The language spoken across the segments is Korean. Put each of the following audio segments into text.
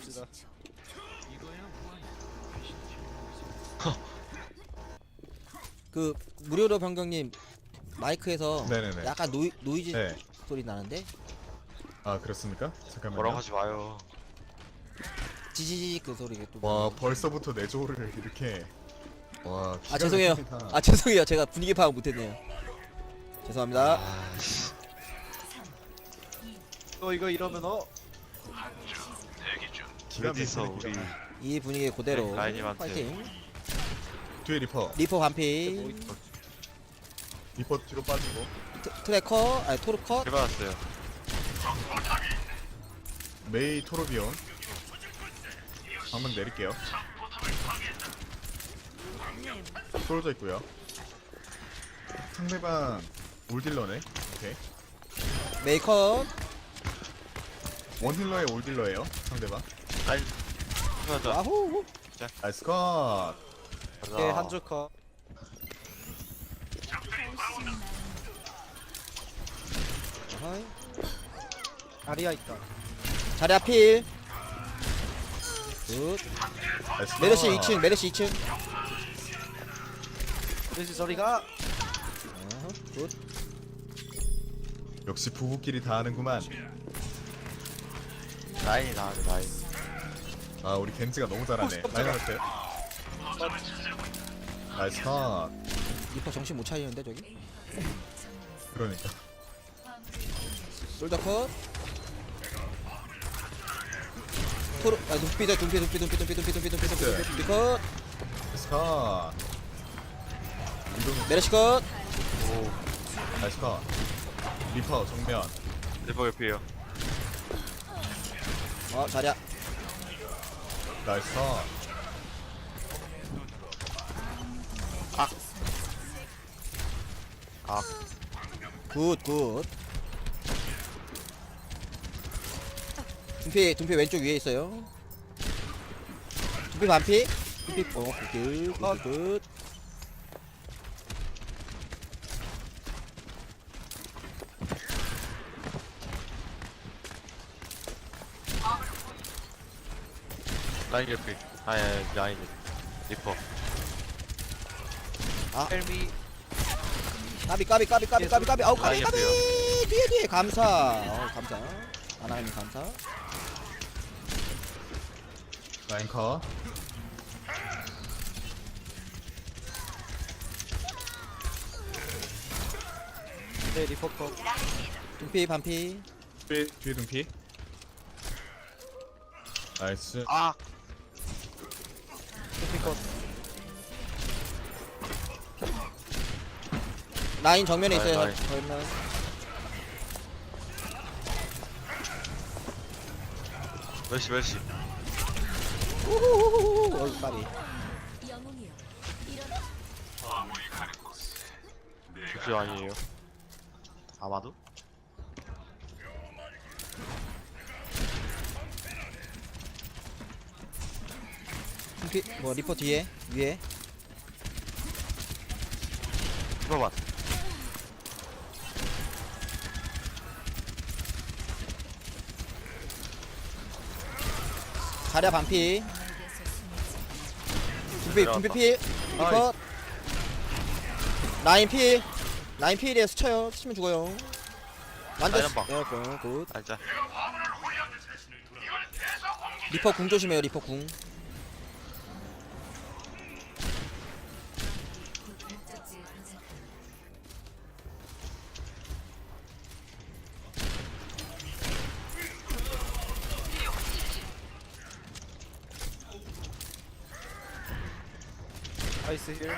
갑시다. 그 무료로 변경님 마이크에서 네네네. 약간 노이즈 네. 소리 나는데 아 그렇습니까? 잠깐만요. 뭐라고 하지 마요. 지지직 그 소리가 또. 와 벌써부터 내조를 이렇게. 와. 아 죄송해요. 아 죄송해요. 제가 분위기 파악 못했네요. 죄송합니다. 아씨. 이거 이러면 기가 어디 있어 막히네, 우리. 기가 막히네. 이 분위기 그대로 네, 라인님한테. 파이팅. 뒤에 리퍼. 리퍼 반피. 리퍼 뒤로 빠지고. 트래커 아니 토르커. 해봤어요. 메이 토르비온. 한번 내릴게요. 떨어져 있고요. 상대방 올딜러네. 오케이. 메이커. 원힐러의 올딜러예요. 상대방. 라인. 해봤자. 아후. 나이스 컷. 네, 한줄 컷. 어허이. 아리아 있다. 자리 앞필. 굿. 나이스 컷. 메르시 2층 메르시 2층. 그래서 저리가 굿. 역시 부부끼리 다 하는구만. 라인이 나와요 라인. 아 우리 겐지가 너무 잘하네. 많이 나왔어요. 나이스 컷. 리퍼 정신 못 차리는데 저기. 그러니까. 솔더 컷. 토르 아 눈빛 컷. 나이스 컷. 이동은 메르시 컷. 나이스 컷. 리퍼 정면. 리버 옆이에요. 자리야. 나이스 컷. 아 굿. 둠피 왼쪽 위에 있어요. 둠피 반피. 둠피 굿. 라인 옆이. 아예 라인. 리퍼. 헬미 까비. 아우 까비. 라인 옆에요. 뒤에 감사. 감사. 하나님 감사. 라인 컷. 네 리퍼 컷. 둠피 반피. 뒤에 등피. 나이스. 아 리퍼 컷. 라인 정면에 라인, 있어요. 라인. 정면. 멜시. 우후후후후. 까비. 주주 아니에요. 아마도? 둠피 뭐 리퍼 뒤에 위에. 리버만. 자리야 반피. 둠피 필. 리퍼. 라인 필이에 스쳐요. 스치면 죽어요. 완전 라인 한 굿. 알자. 리퍼 궁 조심해요. 리퍼 궁. 아이스 힐.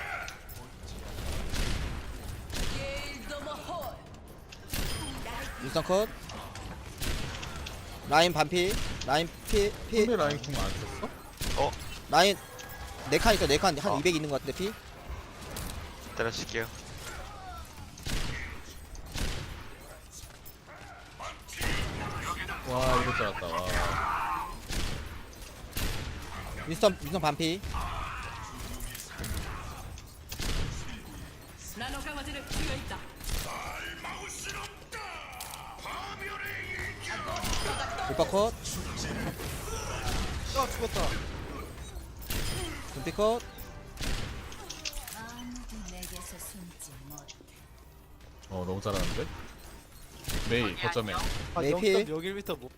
일선 컷. 라인 반피. 라인 피. 상대 라인 궁 안 썼어? 라인 4칸 있어. 4칸 한 어. 200 있는 것 같은데 피. 때려칠게요. 와 이럴 줄 알았다. 와. 윈스턴 반피. 리퍼 컷. 아 죽었다. 눈빛 컷. 아무도 내게서 숨지 못. 너무 잘하는데? 메이 거점에. 아 메이 필. 0.01m 뭐.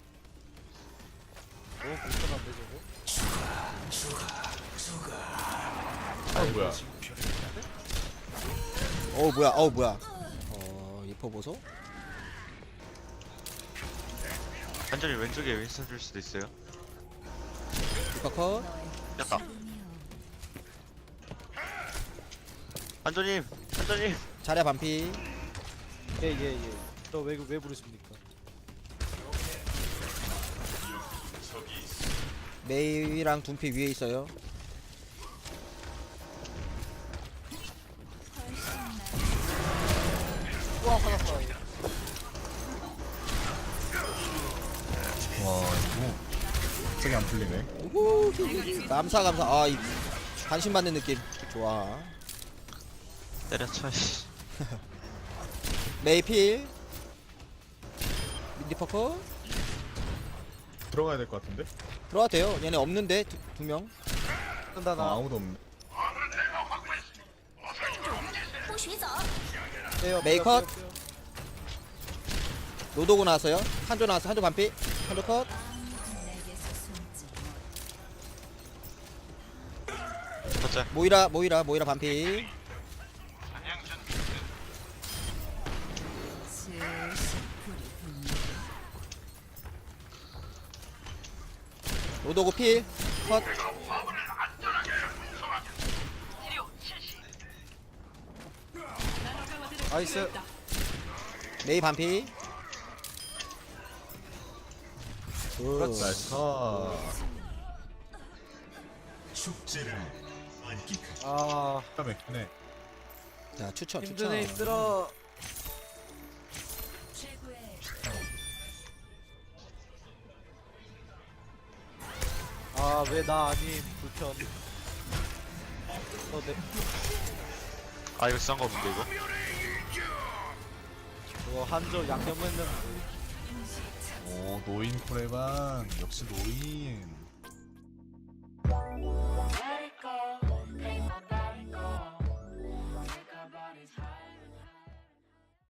너무 불편한데 저거. 뭐야. 뭐야. 리퍼 보소. 완전히 왼쪽에 윈스턴 줄 수도 있어요. 리퍼 컷. 깼다. 한조님, 한조님. 자리야 반피. 예예예. 저왜 부르십니까? 메이랑 둠피 위에 있어요. 우와 화났다. 와 이거 갑자기 안 풀리네. 우후. 감사. 이 관심 받는 느낌. 좋아. 때려쳐. 씨. 메이 필. 리퍼 컷. 들어가야 될 것 같은데? 들어와도 돼요. 얘네 없는데 두 명. 한다 나. 아무도 없네. 빼요, 메이 빼요, 컷. 빼요, 빼요. 로도고 나왔어요. 한조 나왔어. 한조 반피. 한조 컷. 내게서 숨지 못. 첫째. 모이라 반피. 슬슬 불이 붙는. 로도고 필. 컷. 나이스. 메이 반피. 나이스 컷. 아 기가 막히네. 자 추천. 힘드네 힘들어. 최고의 아 왜 나 아니 불편. 네. 아 이거 싼거 없는데 이거? 그거 한조 양념했는데. 오 노인 코레반 역시 노인.